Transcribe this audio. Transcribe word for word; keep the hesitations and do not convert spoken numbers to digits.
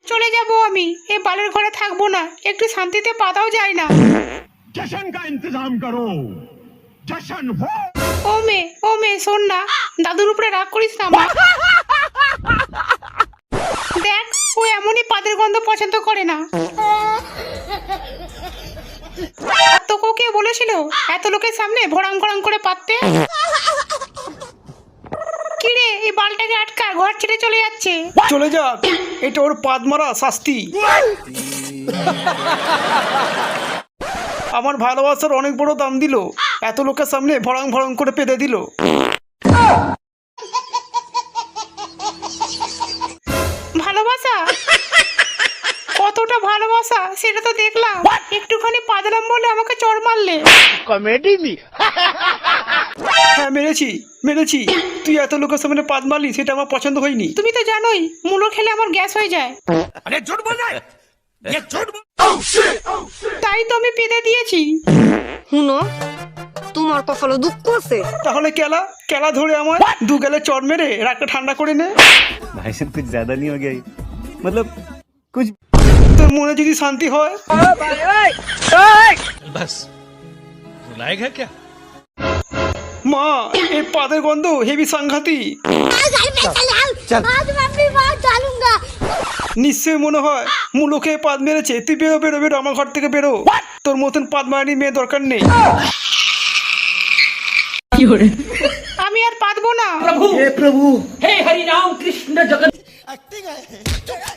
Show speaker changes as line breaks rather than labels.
চলে যাব আমি, এই বালের ঘরে থাকবো না, একটু শান্তিতে পাতাও যায় না।
जश्न का इंतजाम करो, जश्न हो।
ও মে ও মে শোন না, দাদুর উপরে রাগ করিস না মা। দেখ ও এমনই পাদের গন্ধ পছন্দ করে না। আর তোকেও কে বলেছিল এত লোকের সামনে ভড়াং ভড়াং করে পাততে? কিরে এই বালটাকে আটকা, ঘর ছেড়ে চলে যাচ্ছে।
চলে যাক, এটা ওর পাদ মারা শাস্তি। আমার ভালোবাসার অনেক বড় দাম দিল, এত লোকের সামনে ভড়াং ভড়াং করে পেতে দিল।
ভালোবাসা কতটা ভালোবাসা সেটা তো দেখলাম, একটুখানি পাদলাম বলে আমাকে চড় মারলে।
कॉमेडी नहीं।
হ্যাঁ মেরেছি মেরেছি, তুই এত লোকের সামনে পাদ মারলি সেটা আমার পছন্দ হয়নি।
তুমি তো জানোই মুলো খেলে আমার গ্যাস হয়ে যায়,
अरे झूठ बोल रहा है, ये झूठ बोल।
তাই তো আমি পেতে দিয়েছি।
শুনো, তোমার কপালে দুঃখ আছে।
তাহলে কেলা কেলা ধরে আমার দু গেলে চড় মেরে রাগটা ঠান্ডা করে নে।
भाई साहब कुछ ज्यादा नहीं हो गया ये? मतलब कुछ
তোর মনে যদি শান্তি হয়।
बस रुलाएगा क्या?
মা এই পাদের গন্ধ হেভি সাংঘাতিক। নিশ্চয়ই মনে হয় মুলোকে পাদ মেরেছে। তুই বেরো বেরো বেরো আমার ঘর থেকে বেরো, তোর মতন পাদ মারানি মেয়ে দরকার নেই।
আমি আর পাতবো না।
हे हरि राम कृष्ण जगत